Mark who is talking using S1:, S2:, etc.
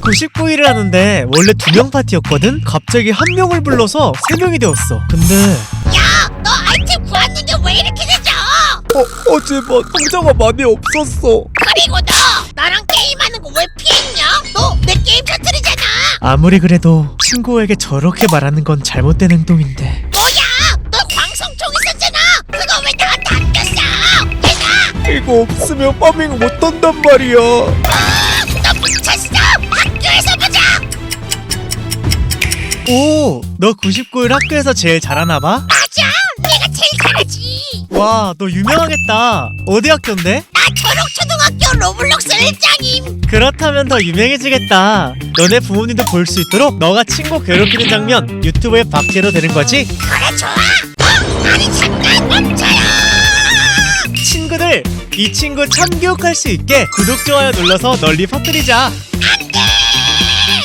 S1: 99일을 하는데 원래 2명 파티였거든? 갑자기 1명을 불러서 3명이 되었어. 근데
S2: 야, 너 아이템 구하는데 왜 이렇게 늦어?
S1: 어제만 상자가 많이 없었어.
S2: 그리고 너 나랑 게임하는 거 왜 피했냐? 너 내 게임 터뜨리잖아.
S1: 아무리 그래도 친구에게 저렇게 말하는 건 잘못된 행동인데.
S2: 뭐야? 너 광성총 있었잖아. 그거 왜 나한테 안 꼈어? 내가
S1: 이거 없으면 파밍 못한단 말이야.
S2: 너 미쳤어? 학교에서 보자.
S1: 오, 너 99일 학교에서 제일 잘하나봐?
S2: 맞아, 내가 제일 잘하지.
S1: 와, 너 유명하겠다. 어디 학교인데?
S2: 나 초록초등학교 로블록스 1장임.
S1: 그렇다면 더 유명해지겠다. 너네 부모님도 볼 수 있도록 너가 친구 괴롭히는 장면 유튜브에 박제로 되는 거지?
S2: 그래, 좋아. 아니 잠깐 멈춰요.
S1: 친구들, 이 친구 참교육할 수 있게 구독, 좋아요 눌러서 널리 퍼뜨리자.
S2: 안돼.